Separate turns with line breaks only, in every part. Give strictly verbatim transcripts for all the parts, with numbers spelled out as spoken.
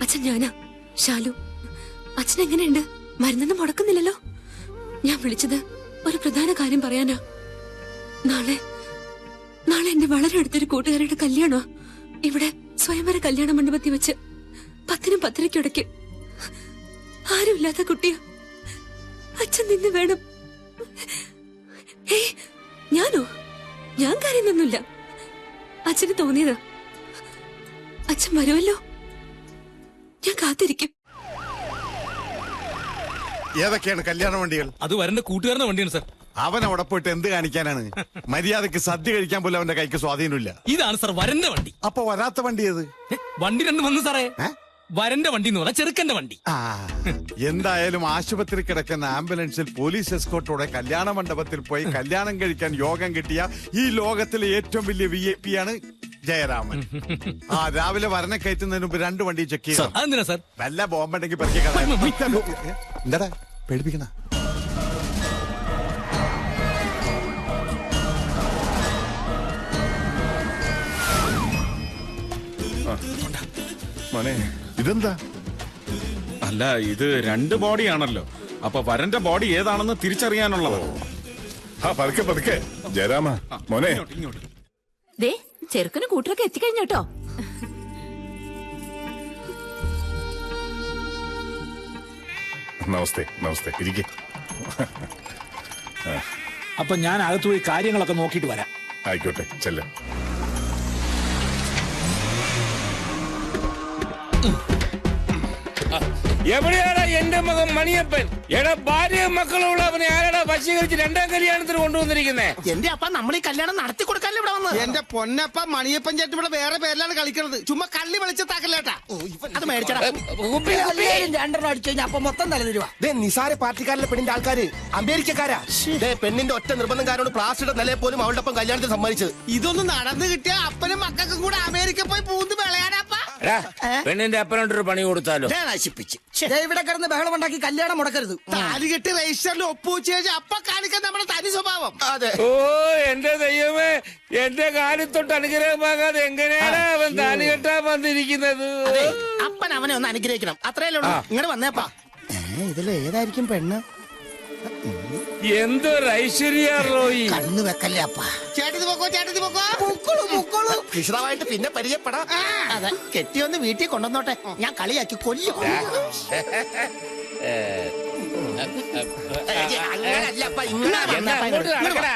അച്ഛൻ ഞാനാ ശാലു. അച്ഛൻ എങ്ങനെയുണ്ട്? മരുന്നൊന്നും മുടക്കുന്നില്ലല്ലോ? ഞാൻ വിളിച്ചത് ഒരു പ്രധാന കാര്യം പറയാനാ. നാളെ നാളെ എന്റെ വളരെ അടുത്തൊരു കൂട്ടുകാരുടെ കല്യാണോ ഇവിടെ സ്വയംവര കല്യാണ മണ്ഡപത്തിൽ വെച്ച് പത്തിനും പത്തരയ്ക്കിടയ്ക്ക്. ആരുമില്ലാത്ത കുട്ടിയാ. അച്ഛൻ നിന്ന് വേണം. ഏയ് ഞാനോ? ഞാൻ കാര്യമൊന്നുമില്ല. അച്ഛന് തോന്നിയതാ. അച്ഛൻ വരുമല്ലോ, ഞാൻ കാത്തിരിക്കും.
ഏതൊക്കെയാണ് കല്യാണ വണ്ടികൾ?
അത് വരന്റെ കൂട്ടുകാരന്റെ വണ്ടിയാണ് സാർ.
അവൻ അവിടെ പോയിട്ട് എന്ത് കാണിക്കാനാണ്? മര്യാദക്ക് സദ്യ കഴിക്കാൻ പോലും അവന്റെ കൈക്ക് സ്വാധീനമില്ല.
ഇതാണ് സാർ വരന്റെ വണ്ടി.
അപ്പൊ വരാത്ത വണ്ടി ഏത്?
വണ്ടി രണ്ട് വന്നു സാറേ. വരന്റെ വണ്ടി എന്ന് പറഞ്ഞാൽ ചെറുക്കന്റെ വണ്ടി.
ആ എന്തായാലും ആശുപത്രി കിടക്കുന്ന ആംബുലൻസിൽ പോലീസ് എസ്കോർട്ടോടെ കല്യാണ മണ്ഡപത്തിൽ പോയി കല്യാണം കഴിക്കാൻ യോഗം കിട്ടിയ ഈ ലോകത്തിലെ ഏറ്റവും വലിയ വി ഐ പി ആണ് ജയരാമൻ. ആ രാവിലെ വരനെ കയറ്റുന്നതിന് മുമ്പ് രണ്ട് വണ്ടി ചെക്ക് ചെയ്യാം.
അതെന്തിനാ സാർ?
വല്ല ബോംബുണ്ടെങ്കിൽ പറിക്കാൻ. എന്താടാ പേടിപ്പിക്കണ?
മോനെ
ഇതെന്താ?
അല്ല, ഇത് രണ്ട് ബോഡിയാണല്ലോ. അപ്പൊ വരന്റെ ബോഡി ഏതാണെന്ന് തിരിച്ചറിയാനുള്ളതോ?
ആ പതുക്കെ പതുക്കെ ജയരാമ മോനെ.
ദേ ചെറുക്കന് കൂട്ടരൊക്കെ എത്തിക്കഴിഞ്ഞോട്ടോ.
നമസ്തേ നമസ്തേ ഇരിക്കെ.
അപ്പൊ ഞാൻ അകത്ത് പോയി കാര്യങ്ങളൊക്കെ നോക്കിയിട്ട് വരാം.
ആയിക്കോട്ടെ ചെല്ല.
എവിടെയാടാ എന്റെ മകൻ മണിയപ്പൻ? എടാ ഭാര്യയും മക്കളുള്ള അവനെ ആരാടാ വശീകരിച്ച് രണ്ടാം കല്യാണത്തിന് കൊണ്ടുവന്നിരിക്കുന്നേ?
എന്റെ അപ്പ നമ്മൾ ഈ കല്യാണം നടത്തി കൊടുക്കാല്ലേ ഇവിടെ വന്ന്? എന്റെ പൊന്നപ്പ മണിയപ്പൻ ചേട്ടൻ ഇവിടെ വേറെ പേരിലാണ് കളിക്കുന്നത്. ചുമ്മാ കള്ളി വെളിച്ചത്താക്കല്ലേട്ടാ. അത് മേടിച്ചടാ.
രണ്ടെണ്ണം അടിച്ചു കഴിഞ്ഞാൽ അപ്പൊ മൊത്തം തലതിരുവാ.
നിസാര പാർട്ടിക്കാരിലെ പെണ്ണിന്റെ ആൾക്കാര് അമേരിക്കക്കാരാ. പെണ്ണിന്റെ ഒറ്റ നിർബന്ധക്കാരോട് പ്ലാസ്റ്റിയുടെ നിലയെ പോലും അവളുടെ ഒപ്പം കല്യാണത്തിന് സമ്മതിച്ചത്. ഇതൊന്നും നടന്നു കിട്ടിയ അപ്പനും മക്കൾക്കും കൂടെ അമേരിക്ക പോയി പൂന്ത് വിളയാനപ്പ.
പെണ്ണിന്റെ അപ്പനോട്ടൊരു പണി കൊടുത്താലോ?
നശിപ്പിച്ച്
ഇവിടെ കിടന്ന് ബഹളം ഉണ്ടാക്കി കല്യാണം മുടക്കരുത്.
താലി കെട്ടി രജിസ്റ്ററിൽ ഒപ്പുവെച്ച് കഴിഞ്ഞാൽ അപ്പ കാണിക്കാൻ നമ്മുടെ തനി സ്വഭാവം. അതെ.
ഓ എന്റെ ദൈവമേ, എന്റെ കാലിത്തൊട്ട് അനുഗ്രഹമാകാതെ എങ്ങനെയാണ് അവൻ താലി കെട്ടാൻ വന്നിരിക്കുന്നത്?
അപ്പൻ അവനെ ഒന്ന് അനുഗ്രഹിക്കണം, അത്രയല്ലേ ഉള്ളൂ. ഇങ്ങോട്ട് വന്നേപ്പാ. ഇതില് ഏതായിരിക്കും പെണ്ണ്?
എന്തൊരു ഐശ്വര്യ റോയി.
കണ്ണു വെക്കല്ലേ അപ്പ. ചേട്ടത്തി പൊക്കോ, ചേട്ടത്തി പൊക്കോ. പൊക്കോളൂ പൊക്കോളൂ. വിശദമായിട്ട് പിന്നെ പരിചയപ്പെടാം. അതെ, കെട്ടിയൊന്ന് വീട്ടിൽ കൊണ്ടുവന്നോട്ടെ. ഞാൻ കളിയാക്കി കൊല്ലും. അങ്ങനല്ല അപ്പ, ഇങ്ങനെ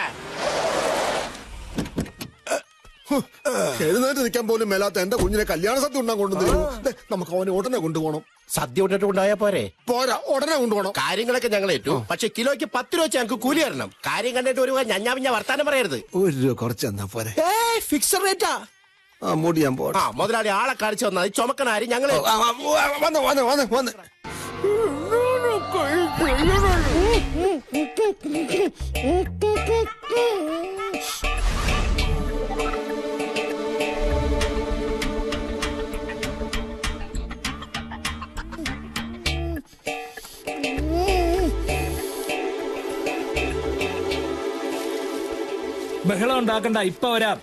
എഴുന്നേറ്റ് നിൽക്കാൻ പോലും മേലാത്ത എന്റെ കുഞ്ഞിനെ കല്യാണ സദ്യ ഉണ്ടാൻ കൊണ്ടുവന്നു. നമുക്ക് അവനെ ഉടനെ കൊണ്ടുപോകണം.
സദ്യ ഇട്ടിട്ട് കൊണ്ടായാ പോരെ?
പോരാ, ഉടനെ കൊണ്ടുപോകണം.
കാര്യങ്ങളൊക്കെ ഞങ്ങൾ ഏറ്റു. പക്ഷെ കിലോയ്ക്ക് പത്ത് രൂപ വെച്ച് ഞങ്ങൾക്ക് കൂലി തരണം. കാര്യം കണ്ടിട്ട് ഒരു ഞഞ്ഞാ പിഞ്ഞ വർത്താനം പറയരുത്.
ഒരു രൂപ കുറച്ച് തന്നാ പോരെ?
ഫിക്സഡ് റേറ്റാ.
ആ മൂടി ഞാൻ പോട്ടെ.
ആ മുതലാളി ആളെ കാണിച്ചു വന്നാൽ ചുമക്കണാരി ഞങ്ങള്
വന്ന് വന്ന് വന്ന് വന്ന്
ബഹളം ഉണ്ടാക്കണ്ട, ഇപ്പൊ വരാം.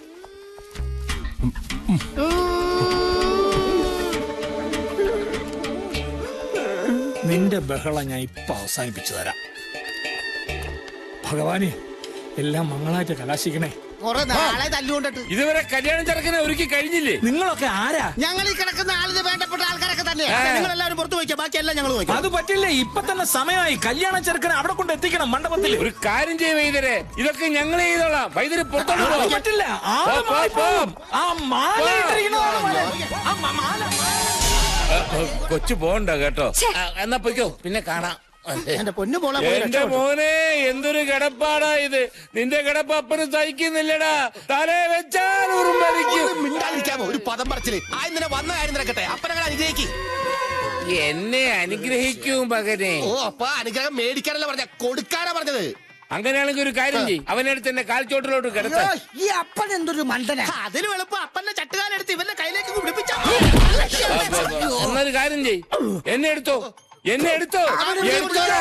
നിന്റെ ബഹളം ഞാൻ ഇപ്പൊ അവസാനിപ്പിച്ചു തരാം. ഭഗവാനെ, എല്ലാം മംഗളായിട്ട് കലാശിക്കണേ.
കൊറേ നാളെ തല്ലുകൊണ്ടിട്ട്
ഇതുവരെ കല്യാണം ചെറുക്കനെ ഒരുക്കി കഴിഞ്ഞില്ലേ?
നിങ്ങളൊക്കെ ആരാ?
ഞങ്ങൾ ഈ കിടക്കുന്ന ആളിന് വേണ്ടപ്പെട്ട ആൾക്കാരൊക്കെ തന്നെയാണ്. നിങ്ങൾ എല്ലാവരും പുറത്തു പോയിക്കാം, ബാക്കിയെല്ലാം ഞങ്ങൾ പോയിക്കാം.
അത് പറ്റില്ല, ഇപ്പൊ തന്നെ സമയമായി. കല്യാണ ചെറുക്കനെ അവിടെ കൊണ്ട് എത്തിക്കണം, മണ്ഡപത്തിൽ.
ഒരു കാര്യം ചെയ്യ വൈദ്യരെ, ഇതൊക്കെ ഞങ്ങൾ ചെയ്തോളാം. വൈദ്യര് പുറത്തോട്ട്
അത് പറ്റില്ല. ആള് മാറിപ്പോകും. ആ മാല ഇട്ടിരിക്കുന്നതാണ് മാല. ആ മ- മാല
കൊച്ചു പോണ്ട കേട്ടോ. ആ, എന്നാ പൊയ്ക്കോ, പിന്നെ കാണാം.
എന്റെ പൊന്നു പോളെ
എന്റെ മോനെ, എന്തൊരു കിടപ്പാടാ ഇത്. നിന്റെ കിടപ്പ് അപ്പന് സഹിക്കുന്നില്ലടാ. തലേ വെച്ചാൽ ഉറുമ്പരിക്കും.
മിണ്ടാതിരിക്കാമോ? ഒരു പദം പറച്ചില്. ആ ഇന്നലെ വന്ന കാര്യം നടക്കട്ടെ. അപ്പനങ്ങൾ അനുഗ്രഹിക്കും.
എന്നെ അനുഗ്രഹിക്കും മകനെ.
ഓ അപ്പ അനുഗ്രഹം മേടിക്കാനല്ല പറഞ്ഞ, കൊടുക്കാനാ പറഞ്ഞത്.
അങ്ങനെയാണെങ്കിൽ ഒരു കാര്യം ചെയ്യും, അവനടുത്ത് എന്നെ കാൽച്ചോട്ടിലോട്ട് കിടത്ത.
ഈ അപ്പൻ എന്തൊരു മണ്ടന.
അതിന് എളുപ്പം അപ്പന്റെ ചട്ടുകാലെടുത്ത് ഇവന്റെ കയ്യിലേക്ക് പിടിപ്പിച്ച.
എന്നൊരു കാര്യം ചെയ്, എന്നെ എടുത്തോ, എന്നെ എടുത്തോ, എടുത്തോടാ.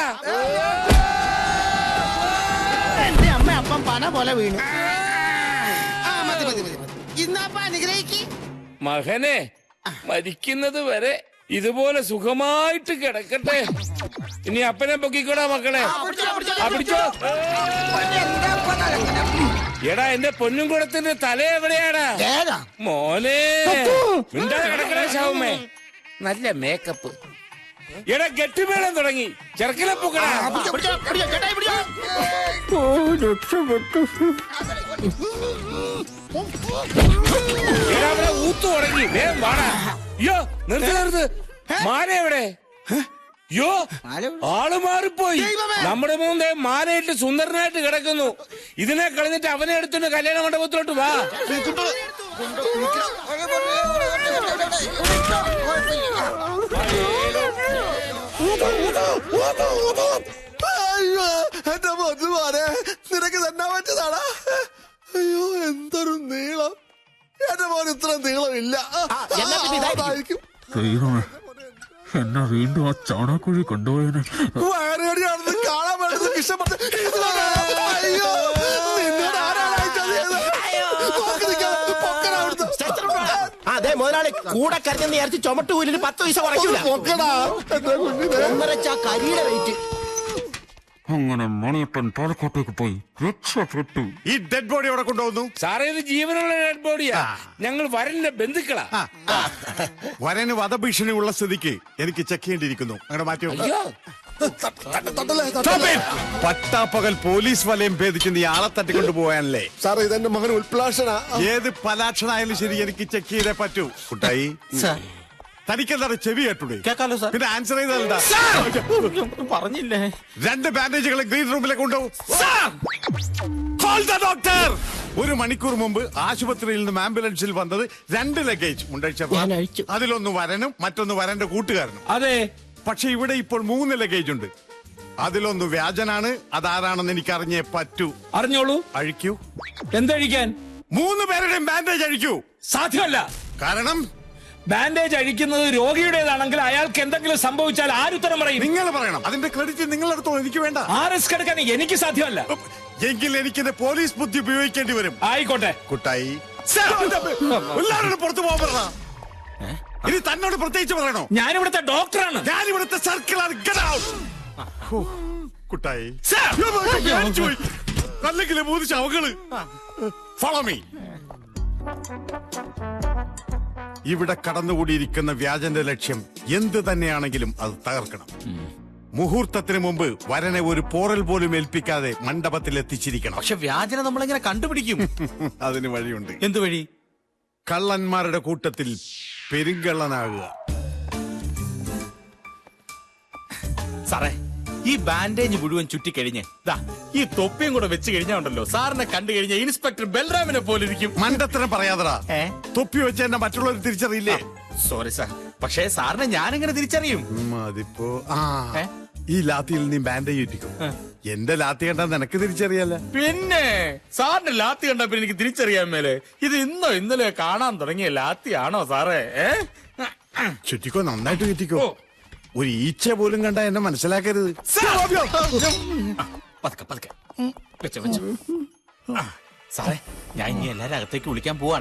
എന്റെ അമ്മ അപ്പം പന പോലെ വീണു. ഇന്നപ്പ അനുഗ്രഹിക്ക്
മകനെ, മരിക്കുന്നത് വരെ ഇതുപോലെ സുഖമായിട്ട് കിടക്കട്ടെ. ഇനി അപ്പനെ പൊക്കിക്കോടാ മക്കളെ. ആ, പിടിച്ചോ. എടാ എന്റെ പൊന്നും കുടത്തിന്റെ തല എവിടെയാടാ മോനെ? മിണ്ടാതെ കിടക്കണേ ശവമേ. നല്ല മേക്കപ്പ്. എടാ ഗട്ടിമേളം തുടങ്ങി. ചെറുക്കലെ പൊക്കടാ. എടാ അവിടെ ഊത്തു തുടങ്ങി. വേഗം വാടാ. അയ്യോ നിർത്ത് നിർത്ത്. മാല എവിടെ? യോ ആള് മാറിപ്പോയി. നമ്മുടെ മൂന്നേ മാലയിട്ട് സുന്ദരനായിട്ട് കിടക്കുന്നു. ഇതിനെ കളഞ്ഞിട്ട് അവനെ എടുത്തിട്ട് കല്യാണ മണ്ഡപത്തിലോട്ട് വാ.
അയ്യോ എന്റെ പൊന്നുമാരെ, നിനക്ക് തന്നെ പറ്റുന്നതാടാ. അയ്യോ എന്തൊരു നീളം. എന്റെ മോൻ ഇത്ര നീളമില്ല. അതായിരിക്കും
എന്നെ വീണ്ടും ആ ചാണാക്കുഴി കൊണ്ടുപോയതിന്
വയറുകടിയാണെന്ന് കാണാൻ വേണ്ടത് ഇഷ്ടപ്പെട്ട്. അയ്യോ നിന്നോട് ആരാണ്
അതെ മുതലാളി കൂടെ കരുതെന്ന് വിചാരിച്ച് ചുമട്ട് കൂലിന് പത്ത് പൈസ കുറയ്ക്കൂല.
പൊക്കടാ എന്റെ കുഞ്ഞിനെ.
ഒന്നരച്ച കരിയുടെ വെയിറ്റ്.
അങ്ങനെ മണിയപ്പൻ പാലക്കാട്ടേക്ക് പോയി രക്ഷപ്പെട്ടു.
ഈ ഡെഡ് ബോഡി അവിടെ കൊണ്ടുപോകുന്നു.
സാറേ ഇത് ജീവനുള്ള ഡെഡ് ബോഡിയാ. ഞങ്ങൾ വരന്റെ ബന്ധുക്കളാ.
വരന് വധഭീഷണി ഉള്ള സ്ഥിതിക്ക് എനിക്ക് ചെക്ക് ചെയ്യേണ്ടിയിരിക്കുന്നു. അങ്ങനെ മാറ്റി
അയ്യോ
പട്ടാപ്പകൽ പോലീസ് വലയം ഭേദിച്ച് നീ ആളെ തട്ടിക്കൊണ്ടു പോയാനല്ലേ?
സാറേ ഇതെന്റെ മകൻ ഉൽപ്ലാഷനാ.
ഏത് പലാക്ഷനായാലും ശരി എനിക്ക് ചെക്ക് ചെയ്തേ പറ്റൂ. കുട്ടായി തനിക്കെന്താണ് ചെവി കേട്ടൂടെ?
കേക്കാലോ സാർ.
പിന്നെ ആൻസർ ചെയ്തല്ല.
പറഞ്ഞില്ലേ?
രണ്ട് ബാൻഡേജുകൾ ഗ്രീൻ റൂമിലേക്ക് കൊണ്ടുപോകും. ഡോക്ടർ ഒരു മണിക്കൂർ മുമ്പ് ആശുപത്രിയിൽ നിന്നും ആംബുലൻസിൽ വന്നത് രണ്ട് ലഗേജ്
ഞാൻ അഴിച്ചു.
അതിലൊന്ന് വരനും മറ്റൊന്ന് വരന്റെ കൂട്ടുകാരനും.
അതെ.
പക്ഷെ ഇവിടെ ഇപ്പോൾ മൂന്ന് ലഗേജ് ഉണ്ട്. അതിലൊന്ന് വ്യാജനാണ്. അതാരാണെന്ന് എനിക്ക് അറിഞ്ഞേ പറ്റൂ.
അറിഞ്ഞോളൂ.
അഴിക്കൂ.
എന്തഴിക്കാൻ?
മൂന്ന് പേരുടെയും ബാൻഡേജ് അഴിക്കൂ.
സാധ്യമല്ല.
കാരണം
ബാൻഡേജ് അഴിക്കുന്നത് രോഗിയുടേതാണെങ്കിൽ അയാൾക്ക് എന്തെങ്കിലും സംഭവിച്ചാൽ ആരുത്തരം പറയും?
നിങ്ങൾ പറയണം. അതിന്റെ ക്രെഡിറ്റ് നിങ്ങളെടുത്തോളൂ, എനിക്ക് വേണ്ട.
ആ റിസ്ക് എടുക്കാൻ എനിക്ക് സാധ്യമല്ല.
എങ്കിൽ എനിക്ക് എന്റെ പോലീസ് ബുദ്ധി ഉപയോഗിക്കേണ്ടി വരും.
ആയിക്കോട്ടെ.
കുട്ടായി എല്ലാവരോടും പുറത്തു പോകാൻ പറഞ്ഞ. ഇനി തന്നോട് പ്രത്യേകിച്ച് പറയണോ?
ഞാനിവിടുത്തെ ഡോക്ടറാണ്.
ഞാനിവിടുത്തെ സർക്കിളാണ്. കുട്ടായി അല്ലെങ്കിൽ മൂന്ന് ശവങ്ങള്. Follow me. ഇവിടെ കടന്നുകൂടിയിരിക്കുന്ന വ്യാജന്റെ ലക്ഷ്യം എന്ത് തന്നെയാണെങ്കിലും അത് തകർക്കണം. മുഹൂർത്തത്തിന് മുമ്പ് വരനെ ഒരു പോറൽ പോലും ഏൽപ്പിക്കാതെ മണ്ഡപത്തിൽ എത്തിച്ചിരിക്കണം.
പക്ഷെ വ്യാജന നമ്മളെങ്ങനെ കണ്ടുപിടിക്കും?
അതിന് വഴിയുണ്ട്.
എന്ത് വഴി?
കള്ളന്മാരുടെ കൂട്ടത്തിൽ പെരുങ്കള്ളനാകുക.
സാറേ ഈ ബാൻഡേജ് മുഴുവൻ ചുറ്റിക്കഴിഞ്ഞ് ദാ ഈ തൊപ്പിയും കൂടെ വെച്ച് കഴിഞ്ഞാ ഉണ്ടല്ലോ സാറിനെ കണ്ടു കഴിഞ്ഞ ഇൻസ്പെക്ടർ ബൽറാമിനെ പോലെ ഇരിക്കും.
മണ്ടത്തരം പറയാതടാ. തൊപ്പി വെച്ച് എന്നെ മറ്റുള്ളവർ തിരിച്ചറിയില്ലേ?
സോറി സാർ, പക്ഷേ സാറിനെ ഞാനെങ്ങനെ തിരിച്ചറിയും?
അതിപ്പോ ആ ഈ ലാത്തിയിൽ നീ ബാൻഡേജ് ചുറ്റിക്കും. എന്റെ ലാത്തി കണ്ടാ നിനക്ക് തിരിച്ചറിയാല.
പിന്നെ സാറിന്റെ ലാത്തി കണ്ടപ്പോ എനിക്ക് തിരിച്ചറിയാൻ മേലെ ഇത് ഇന്നോ ഇന്നലെ കാണാൻ തുടങ്ങിയ ലാത്തിയാണോ സാറേ?
ചുറ്റിക്കോ, നന്നായിട്ട് ചുറ്റിക്കോ. ഒരു ഈച്ച പോലും കണ്ട എന്നെ മനസ്സിലാക്കരുത്.
പതുക്കെ പതുക്കെ വെച്ചോ വെച്ചോ. സാറേ ഞാൻ ഇനി എല്ലാരും അകത്തേക്ക് വിളിക്കാൻ പോവാണ്.